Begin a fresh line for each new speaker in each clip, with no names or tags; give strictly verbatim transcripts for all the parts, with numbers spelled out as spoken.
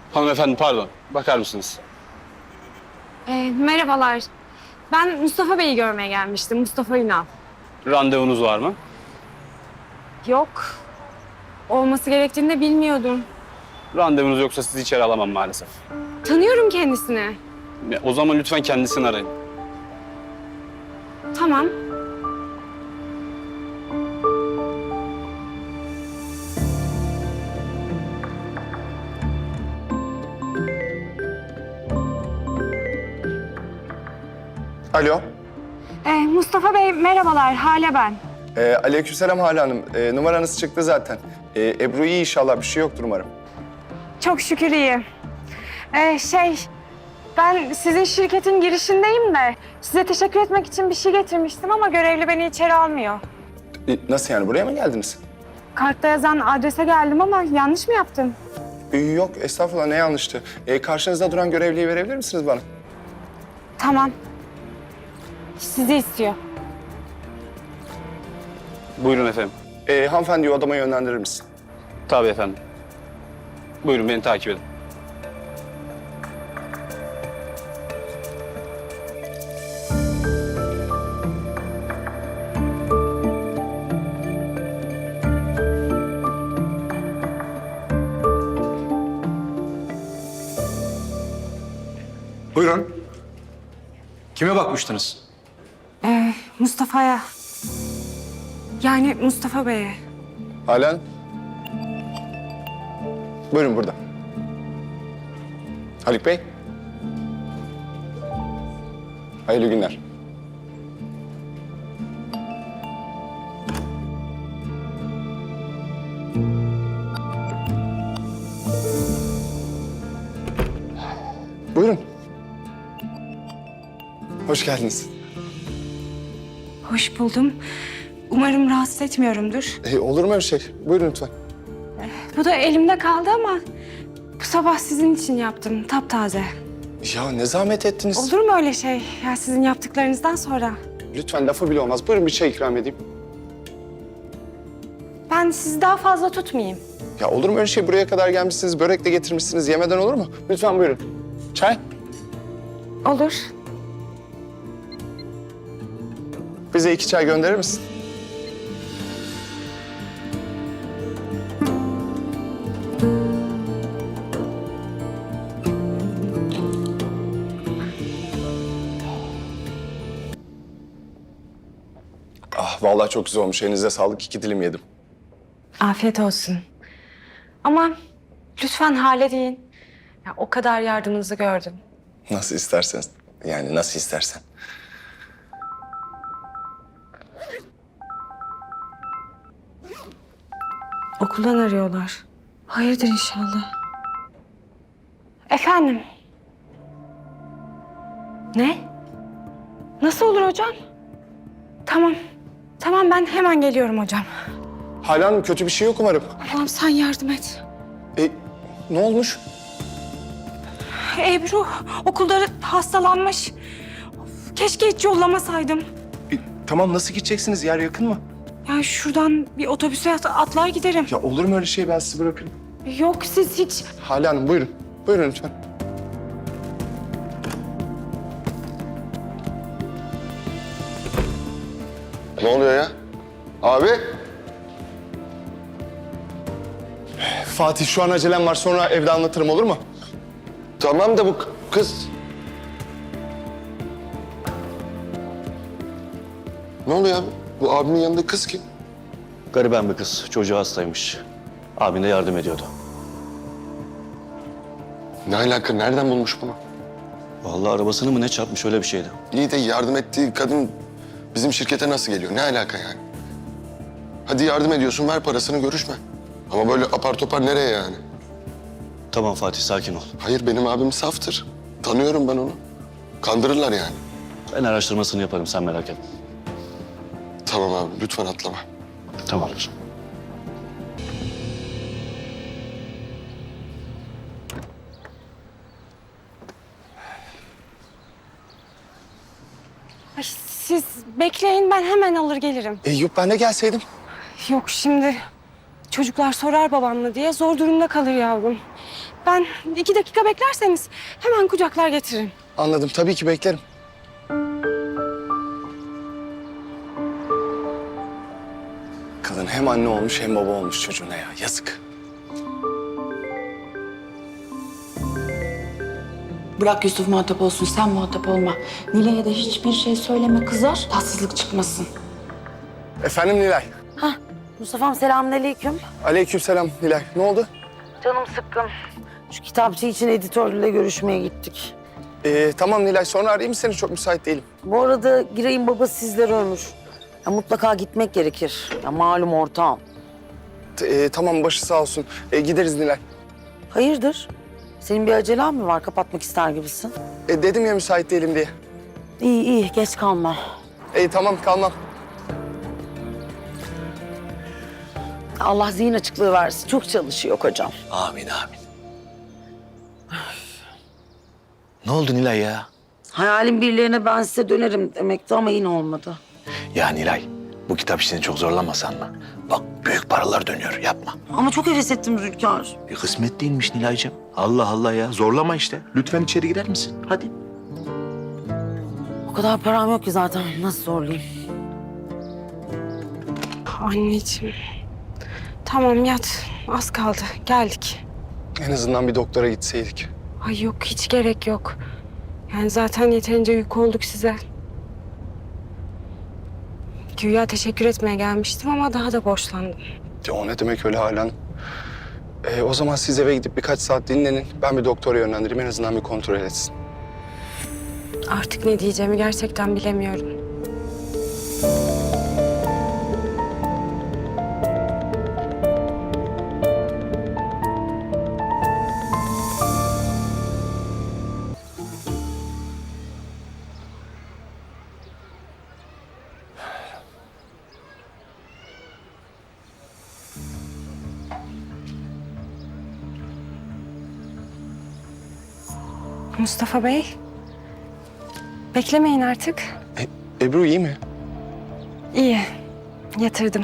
Hanımefendi pardon. Bakar mısınız?
Ee, merhabalar. Ben Mustafa Bey'i görmeye gelmiştim. Mustafa Ünal.
Randevunuz var mı?
Yok. Olması gerektiğini de bilmiyordum.
Randevunuz yoksa sizi içeri alamam maalesef.
Tanıyorum kendisini.
Ya, o zaman lütfen kendisini arayın.
Tamam.
Alo.
Ee, Mustafa Bey merhabalar. Hale ben.
Ee, aleykümselam Hale Hanım. Ee, numaranız çıktı zaten. Ee, Ebru iyi inşallah. Bir şey yoktur umarım.
Çok şükür iyi. Ee, şey, ben sizin şirketin girişindeyim de size teşekkür etmek için bir şey getirmiştim ama görevli beni içeri almıyor.
Ee, nasıl yani? Buraya mı geldiniz?
Kartta yazan adrese geldim ama yanlış mı yaptım?
Ee, yok estağfurullah ne yanlıştı. Ee, karşınızda duran görevliyi verebilir misiniz bana?
Tamam. Sizi istiyor.
Buyurun efendim.
Ee, hanımefendiyi odama yönlendirir misin?
Tabii efendim. Buyurun beni takip edin.
Buyurun. Kime bakmıştınız?
Ee, Mustafa'ya. Yani Mustafa Bey'e.
Hale Hanım. Buyurun burada. Haluk Bey. Hayırlı günler. Buyurun. Hoş geldiniz.
Hoş buldum. Umarım rahatsız etmiyorumdur.
Ee, olur mu öyle şey? Buyurun lütfen.
Bu da elimde kaldı ama bu sabah sizin için yaptım. Taptaze.
Ya ne zahmet ettiniz.
Olur mu öyle şey? Ya sizin yaptıklarınızdan sonra.
Lütfen lafı bile olmaz. Buyurun bir çay ikram edeyim.
Ben sizi daha fazla tutmayayım.
Ya olur mu öyle şey? Buraya kadar gelmişsiniz, börek de getirmişsiniz. Yemeden olur mu? Lütfen buyurun. Çay.
Olur.
Bize iki çay gönderir misin? Ah vallahi çok güzel olmuş. Elinize sağlık. İki dilim yedim.
Afiyet olsun. Ama lütfen hale deyin. Ya, o kadar yardımınızı gördüm.
Nasıl istersen. Yani nasıl istersen.
Okuldan arıyorlar. Hayırdır inşallah. Efendim? Ne? Nasıl olur hocam? Tamam. Tamam ben hemen geliyorum hocam.
Hale Hanım kötü bir şey yok umarım.
Allah'ım sen yardım et.
E, ne olmuş?
Ebru okulda hastalanmış. Of, keşke hiç yollamasaydım.
E, tamam nasıl gideceksiniz? Yer yakın mı?
Yani şuradan bir otobüse at- atlar giderim.
Ya olur mu öyle şey? Ben sizi bırakırım.
Yok siz hiç.
Hale Hanım buyurun. Buyurun lütfen.
Ne oluyor ya? Abi?
Fatih şu an acelem var. Sonra evde anlatırım olur mu?
Tamam da bu k- kız... Ne oluyor abi? Bu abimin yanında kız kim?
Gariben bir kız. Çocuğu hastaymış. Abin de yardım ediyordu.
Ne alaka? Nereden bulmuş bunu?
Vallahi arabasını mı ne çarpmış öyle bir şeydi.
İyi de yardım ettiği kadın bizim şirkete nasıl geliyor? Ne alaka yani? Hadi yardım ediyorsun, ver parasını, görüşme. Ama böyle apar topar nereye yani?
Tamam Fatih sakin ol.
Hayır, benim abim saftır. Tanıyorum ben onu. Kandırırlar yani.
Ben araştırmasını yaparım sen merak etme.
Tamam abi, lütfen atlama.
Tamamdır.
Ay, siz bekleyin ben hemen alır gelirim.
E, yok ben de gelseydim.
Yok şimdi çocuklar sorar babamla diye zor durumda kalır yavrum. Ben iki dakika beklerseniz hemen kucaklar getiririm.
Anladım. Tabii ki beklerim. Kadın hem anne olmuş hem baba olmuş çocuğuna ya. Yazık.
Bırak Yusuf muhatap olsun, sen muhatap olma. Nilay'a da hiçbir şey söyleme, kızar. Tatsızlık çıkmasın.
Efendim Nilay.
Mustafa'm selamünaleyküm.
Aleykümselam Nilay. Ne oldu?
Canım sıkkın. Şu kitapçı için editörle görüşmeye gittik.
Ee, tamam Nilay. Sonra arayayım seni. Çok müsait değilim.
Bu arada Giray'ın babası sizleri ölmüş. Ya mutlaka gitmek gerekir. Ya malum ortağım.
T- ee, tamam başı sağ olsun. Ee, gideriz Nilay.
Hayırdır? Senin bir acelen mi var? Kapatmak ister gibisin.
Ee, dedim ya müsait değilim diye.
İyi iyi geç kalma.
Ee, tamam kalmam.
Allah zihin açıklığı versin. Çok çalışıyor kocam.
Amin amin. Ne oldu Nilay ya?
Hayalin birilerine ben size dönerim demekti ama yine olmadı.
Ya Nilay, bu kitap işini çok zorlamasan mı? Bak büyük paralar dönüyor, yapma.
Ama çok heves ettim Zülkar.
Bir kısmet değilmiş Nilay'cığım. Allah Allah ya, zorlama işte. Lütfen içeri girer misin? Hadi.
O kadar param yok ki zaten. Nasıl zorlayayım?
Anneciğim. Tamam yat. Az kaldı. Geldik.
En azından bir doktora gitseydik.
Ay yok hiç gerek yok. Yani zaten yeterince yük olduk size. Güya teşekkür etmeye gelmiştim ama daha da borçlandım.
Ya o ne demek öyle Halen? Ee, o zaman siz eve gidip birkaç saat dinlenin. Ben bir doktora yönlendireyim. En azından bir kontrol etsin.
Artık ne diyeceğimi gerçekten bilemiyorum. Mustafa Bey, beklemeyin artık.
E, Ebru iyi mi?
İyi, yatırdım.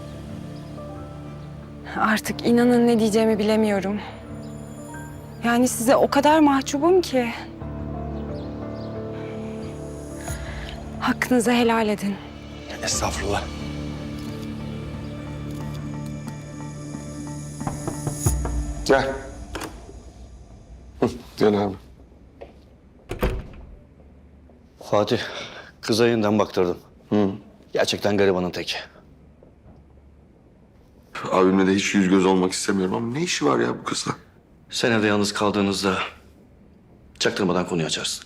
Artık inanın ne diyeceğimi bilemiyorum. Yani size o kadar mahcubum ki. Hakkınızı helal edin.
Estağfurullah.
Gel. Hı, gel abi.
Fatih, kıza yeniden baktırdım. Hı. Gerçekten garibanın teki.
Abimle de hiç yüz göz olmak istemiyorum ama ne işi var ya bu kızla?
Sen evde yalnız kaldığınızda çaktırmadan konuyu açarsın.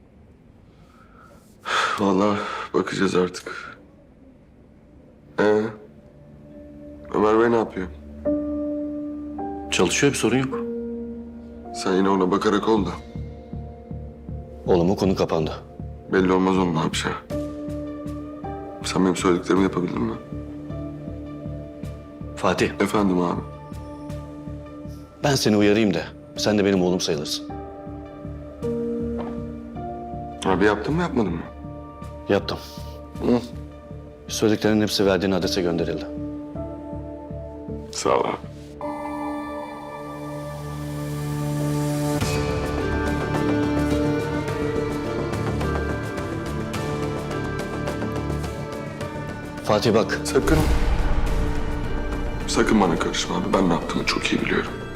Vallahi bakacağız artık. Ee, Ömer Bey ne yapıyor?
Çalışıyor, bir sorun yok.
Sen yine ona bakarak ol da.
Oğlum o konu kapandı.
Belli olmaz onun ne yapacağı. Sen benim söylediklerimi yapabildin mi?
Fatih,
Efendim abi.
ben seni uyarayım da sen de benim oğlum sayılırsın.
Abi yaptın mı yapmadın mı?
Yaptım.
Hı.
Söylediklerinin hepsi verdiğin adrese gönderildi.
Sağ ol abi.
Fatih bak,
Sakın. Sakın bana karışma abi. Ben ne yaptığımı çok iyi biliyorum.